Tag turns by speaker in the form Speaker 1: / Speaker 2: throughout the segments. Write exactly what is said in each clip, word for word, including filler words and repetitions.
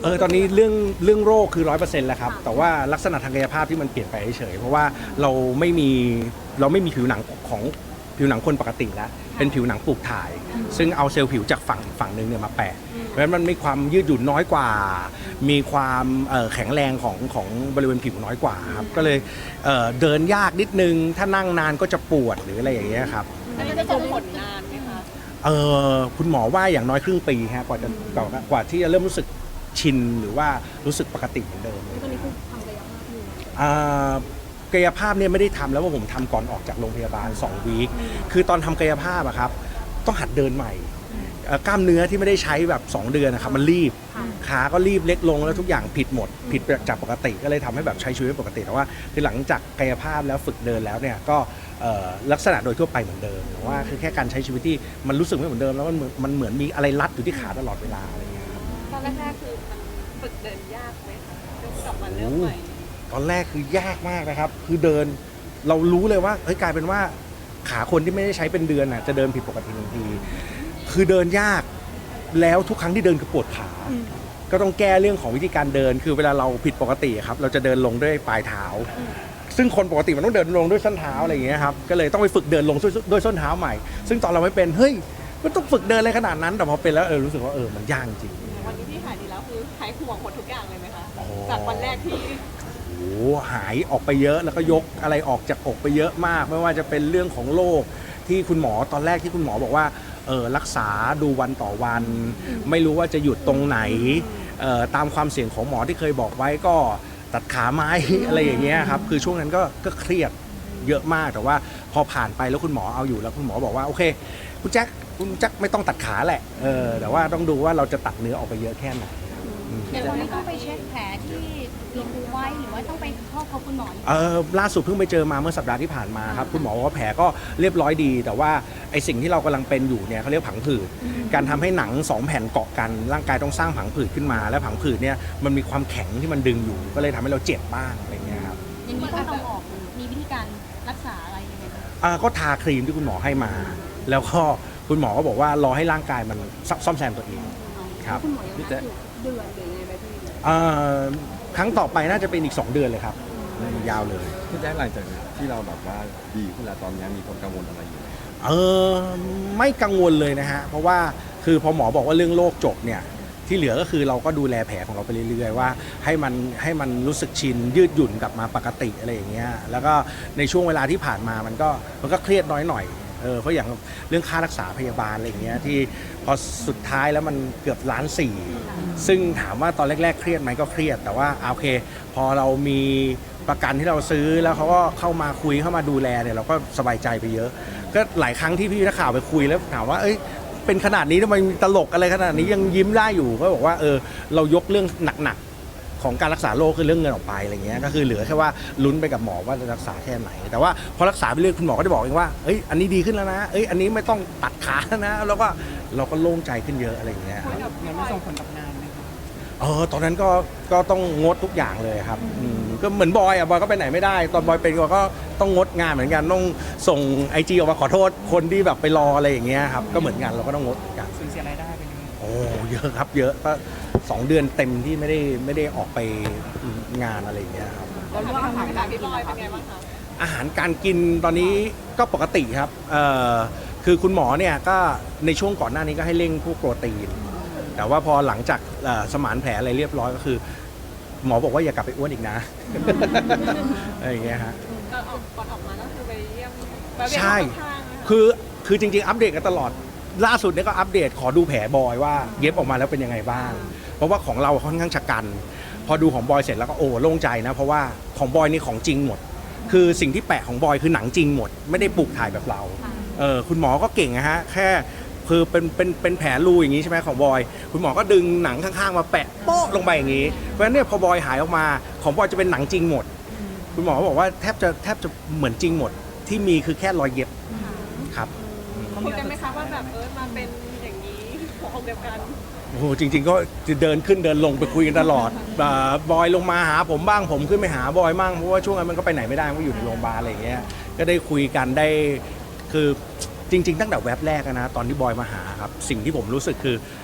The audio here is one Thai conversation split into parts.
Speaker 1: เออตอนนี้เรื่องเรื่องโรคคือร้อยเปอร์เซ็นต์แล้วครับแต่ว่าลักษณะทางกายภาพที่มันเปลี่ยนไปเฉยๆเพราะว่าเราไม่มีเราไม่มีผิวหนังของผิวหนังคนปกติแล้วเป็นผิวหนังปลูกถ่าย ซึ่งเอาเซลล์ผิวจากฝั่งฝั่งหนึ่งเนี่ยมาแปะเพราะฉะนั้นมันมีความยืดหยุ่นน้อยกว่า มีความแข็งแรงของของบริเวณผิวน้อยกว่าครับก็เลยเเดินยากนิดนึงถ้านั่งนานก็จะปวดหรืออะไรอย่างเงี้ยครับ
Speaker 2: อันนี้จะส่งผลนานไหมคะ
Speaker 1: เออคุณหมอว่าอย่างน้อยครึ่งปีฮะกว่าจะกว่าที่จะเริ่มรู้สึกชินหรือว่ารู้สึกปกติเหมือนเดิม
Speaker 3: ตอนนี้คือทำกายภาพอยู่
Speaker 1: กายภาพเนี่ยไม่ได้ทำแล้วว่าผมทำก่อนออกจากโรงพยาบาลสองวีคคือตอนทำกายภาพอะครับต้องหัดเดินใหม่กล้ามเนื้อที่ไม่ได้ใช้แบบสองเดือนนะครับมันรีบขาก็รีบเล็กลงแล้วทุกอย่างผิดหมดผิดจากปกติก็เลยทำให้แบบใช้ชีวิตปกติแต่ว่าคือหลังจากกายภาพแล้วฝึกเดินแล้วเนี่ยก็ลักษณะโดยทั่วไปเหมือนเดิมแต่ว่าคือแค่การใช้ชีวิตที่มันรู้สึกไม่เหมือนเดิมแล้วมันมันเหมือนมีอะไรรัดอยู่ที่ขาตลอดเวลาอะไรเงี้ยครับ
Speaker 2: ตอนแรกๆคือมันฝึกเดินยากไหมคะกลับมาเริ่มใหม่
Speaker 1: ตอนแรกคือยากมากนะครับคือเดินเรารู้เลยว่าเฮ้ยกลายเป็นว่าขาคนที่ไม่ได้ใช้เป็นเดือนน่ะจะเดินผิดปกติทันทีคือเดินยากแล้วทุกครั้งที่เดินก็ปวดขาก็ต้องแก้เรื่องของวิธีการเดินคือเวลาเราผิดปกติครับเราจะเดินลงด้วยปลายเท้าซึ่งคนปกติมันต้องเดินลงด้วยส้นเท้าอะไรอย่างเงี้ยครับก็เลยต้องไปฝึกเดินลงด้วยส้นเท้าใหม่ซึ่งตอนเราไม่เป็นเฮ้ยมันต้องฝึกเดินอะไรขนาดนั้นแต่พอเป็นแล้วเออรู้สึกว่าเออมันยากจริง
Speaker 2: วันนี้ที่หายดีแล้วคือหายห่วงหมดทุกอย่างเลยไหมคะจากวันแรกที่
Speaker 1: โอ้หายออกไปเยอะแล้วก็ยกอะไรออกจากอกไปเยอะมากไม่ว่าจะเป็นเรื่องของโรคที่คุณหมอตอนแรกที่คุณหมอบอกว่าเออรักษาดูวันต่อวันไม่รู้ว่าจะหยุดตรงไหนตามความเสี่ยงของหมอที่เคยบอกไว้ก็ตัดขาไม้ อะไรอย่างเงี้ยครับคือช่วงนั้นก็ก็เครียดเยอะมากแต่ว่าพอผ่านไปแล้วคุณหมอเอาอยู่แล้วคุณหมอบอกว่าโอเคคุณแจ็คคุณแจ็คไม่ต้องตัดขาแหละเออแต่ว่าต้องดูว่าเราจะตัดเนื้อออกไปเยอะแค่ไหน
Speaker 3: เดี๋ยววันนี้ต้องไปเช็คแผลที่ลงไว้หรือว่าต้องไปเข้าพบคุณหมอ
Speaker 1: เออล่าสุดเพิ่งไปเจอมาเมื่อสัปดาห์ที่ผ่านมาครับคุณหมอบอกว่าแผลก็เรียบร้อยดีแต่ว่าไอสิ่งที่เรากำลังเป็นอยู่เนี่ยเขาเรียกผังผืดการทำให้หนังสองแผ่นเกาะกันร่างกายต้องสร้างผังผืดขึ้นมาและผังผืดเนี่ยมันมีความแข็งที่มันดึงอยู่ก็เลยทำให้เราเจ็บบ้างอะไรเงี้ยครับ
Speaker 3: อย่างนี้ต้องเอาออกมีวิธีการรักษาอะไรยังไง
Speaker 1: อ่าก็ทาครีมที่คุณหมอให้มาแล้วก็คุณหมอก็บอกว่ารอให้ร่างกายมันซ่อมแซมตัวเองครับ
Speaker 3: คุณหมอยังนัดอยู่เดือนหรือไงไหมพี่
Speaker 1: ครั้งต่อไปน่าจะเป็นอีกสองเดือนเลยครับยาวเลย
Speaker 4: พี่แจ๊คหลังจากที่เราแบบว่าดีขึ้นแล้วตอนนี้มีความกังวลอะไรอยู่
Speaker 1: เออไม่กังวลเลยนะฮะเพราะว่าคือพอหมอบอกว่าเรื่องโรคจบเนี่ยที่เหลือก็คือเราก็ดูแลแผลของเราไปเรื่อยๆว่าให้มันให้มันรู้สึกชินยืดหยุ่นกลับมาปกติอะไรอย่างเงี้ยแล้วก็ในช่วงเวลาที่ผ่านมามันก็มันก็เครียดน้อยหน่อยเออเพราะอย่างเรื่องค่ารักษาพยาบาลอะไรอย่างเงี้ยที่พอสุดท้ายแล้วมันเกือบล้านสี่ซึ่งถามว่าตอนแรกๆเครียดไหมก็เครียดแต่ว่าโอเคพอเรามีประกันที่เราซื้อแล้วเขาก็เข้ามาคุยเข้ามาดูแลเนี่ยเราก็สบายใจไปเยอะก็หลายครั้งที่พี่นักข่าวไปคุยแล้วถามว่าเอ้ยเป็นขนาดนี้ทำไมตลกอะไรขนาดนี้ยังยิ้มได้อยู่ก็บอกว่าเออเรายกเรื่องหนักๆของการรักษาโรคคือเรื่องเงินออกไปอะไรเงี้ยก็คือเหลือแค่ว่าลุ้นไปกับหมอว่าจะรักษาแค่ไหนแต่ว่าพอรักษาไปเรื่อยคุณหมอก็จะบอกเองว่าเอ้ยอันนี้ดีขึ้นแล้วนะเอ้ยอันนี้ไม่ต้องตัดขาแล้วนะแล้วก็เราก็โล่งใจขึ้นเยอะอะไรเงี้ย
Speaker 2: มันไม่ส่งผลกับงานไหม
Speaker 1: เออตอนนั้นก็ก็ต้องงดทุกอย่างเลยครับก็เหมือนบอยอ่ะบอยก็ไปไหนไม่ได้ตอนบอยเป็นก็ต้องงดงานเหมือนกันต้องส่งไอจีออกมาขอโทษคนที่แบบไปรออะไรอย่างเงี้ยครับก็เหมือนกันเราก็ต้องงดกัน
Speaker 2: สูญเสียรายได้ไปเลย
Speaker 1: โอ้เยอะครับเยอะก็สองเดือนเต็มที่ไม่ได้ไม่ได้ออกไปงานอะไรอย่างเงี้ยครับ
Speaker 2: แล้วเรื่องอาหารการกินบอยเป็นไงบ้างคะ
Speaker 1: อาหารการกินตอนนี้ก็ปกติครับเอ่อคือคุณหมอเนี่ยก็ในช่วงก่อนหน้านี้ก็ให้เร่งพวกโปรตีนแต่ว่าพอหลังจากสมานแผลอะไรเรียบร้อยก็คือหมอบอกว่าอย่ากลับไปอ้วนอีกนะอะไรอย่างเงี้ยฮะ
Speaker 2: ก่อนออกก่อนออกมาก็คือไปเยี่ยม
Speaker 1: ใช่คือคือจริงๆอัปเดตกันตลอดล่าสุดเนี่ยก็อัปเดตขอดูแผลบอยว่าเย็บออกมาแล้วเป็นยังไงบ้างเพราะว่าของเราค่อนข้างชะกันพอดูของบอยเสร็จแล้วก็โอ้โล่งใจนะเพราะว่าของบอยนี่ของจริงหมดคือสิ่งที่แปะของบอยคือหนังจริงหมดไม่ได้ปลูกถ่ายแบบเราเออคุณหมอก็เก่งนะฮะแค่คือเป็นเป็นเป็นแผลรูอย่างนี้ใช่ไหมของบอยคุณหมอก็ดึงหนังข้างๆมาแปะโป๊ะลงไปอย่างนี้เพราะฉะนั้นเนี่ยพอบอยหายออกมาของบอยจะเป็นหนังจริงหมดคุณหมอบอกว่าแทบจะแทบจะเหมือนจริงหมดที่มีคือแค่รอยเย็บครับ
Speaker 2: คุยกันไหมคะว่าแบบเออมาเป็นอย่างนี้หัวอกเดียวกัน
Speaker 1: โอ้โหจริงๆก็จะเดินขึ้นเดินลงไปคุยกันตลอดบอยลงมาหาผมบ้างผมขึ้นไปหาบอยบ้างเพราะว่าช่วงนั้นมันก็ไปไหนไม่ได้มันก็อยู่ในโรงพยาบาลอะไรอย่างเงี้ยก็ได้คุยกันได้คือจริงๆตั้งแต่แว็บแรกนะตอนที่บอยมาหาครับสิ่งที่ผมรู้สึกคือ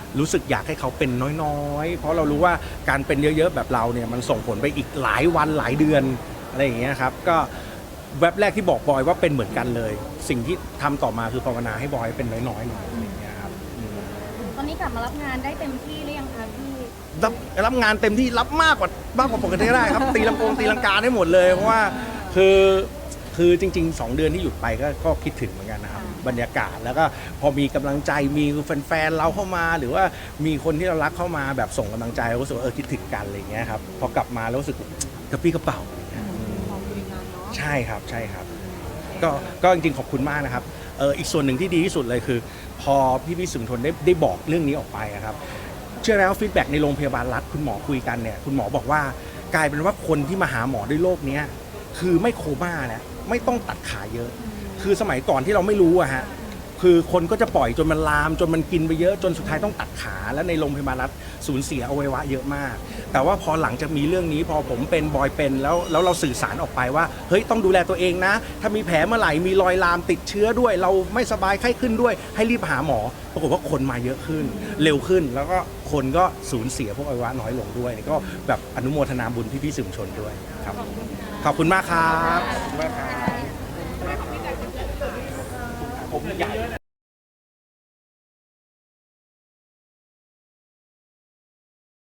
Speaker 1: รู้สึกอยากให้เขาเป็นน้อยๆ เพราะเรารู้ว่าการเป็นเยอะๆแบบเราเนี่ยมันส่งผลไปอีกหลายวันหลายเดือนอะไรอย่างเงี้ยครับก็แว็บแรกที่บอกบอยว่าเป็นเหมือนกันเลย สิ่งที่ทำต่อมาคือภาวนาให้บอยเป็นน้อยๆหน่อยอะไรอย่างเงี้ยครับอืม
Speaker 3: ตอนนี้กลับมารับงานได้เต็มที่หรือยังคะพี่
Speaker 1: รับรับงานเต็มที่รับมากกว่ามากกว่าปกติก็ได้ครับ ตีลังกงตีลังกาได้หมดเลยเพราะว่าคือคือจริงๆสองเดือนที่หยุดไปก็ก็คิดถึงเหมือนกันนะครับบรรยากาศแล้วก็พอมีกำลังใจมีแฟนๆเราเข้ามา หรือว่ามีคนที่เรารักเข้ามาแบบส่งกำลังใจเราก็รู้สึกว่าเออคิดถึงกันอะไรอย่างเงี้ยครับพอกลับมาแล้วรู้สึกกระปี้กระเป๋าใช่ครับใช่ครับก็ก็จริงๆขอบคุณมากนะครับเอออีกส่วนหนึ่งที่ดีที่สุดเลยคือ พอพี่พี่สื่อมวลชนได้ได้บอกเรื่องนี้ออกไปอะครับเชื่อแล้วฟีดแบ็กในโรงพยาบาลรัฐคุณหมอคุยกันเนี่ยคุณหมอบอกว่ากลายเป็นว่าคนที่มาหาหมอด้วยโรคเนี้ยคือไม่โคม่าแล้วไม่ต้องตัดขาเยอะ คือสมัยก่อนที่เราไม่รู้อะฮะคือคนก็จะปล่อยจนมันลามจนมันกินไปเยอะจนสุดท้ายต้องตัดขาแล้วในโรงพยาบาลรัฐสูญเสียอวัยวะเยอะมาก แต่ว่าพอหลังจากมีเรื่องนี้พอผมเป็นบอยเป็นแล้วแล้วเราสื่อสารออกไปว่าเฮ้ยต้องดูแลตัวเองนะ ถ้ามีแผลเมื่อไหร่มีรอยลามติดเชื้อด้วย เราไม่สบายไข้ขึ้นด้วยให้รีบหาหมอปรากฏว่าคนมาเยอะขึ้น เร็วขึ้นแล้วก็คนก็สูญเสียพวกอวัยวะน้อยลงด้วยก็แบบอนุโมทนาบุญพี่ๆสื่อมวลชนด้วยครับขอบคุณมากครับขอบคุณมากครับผมใหญ่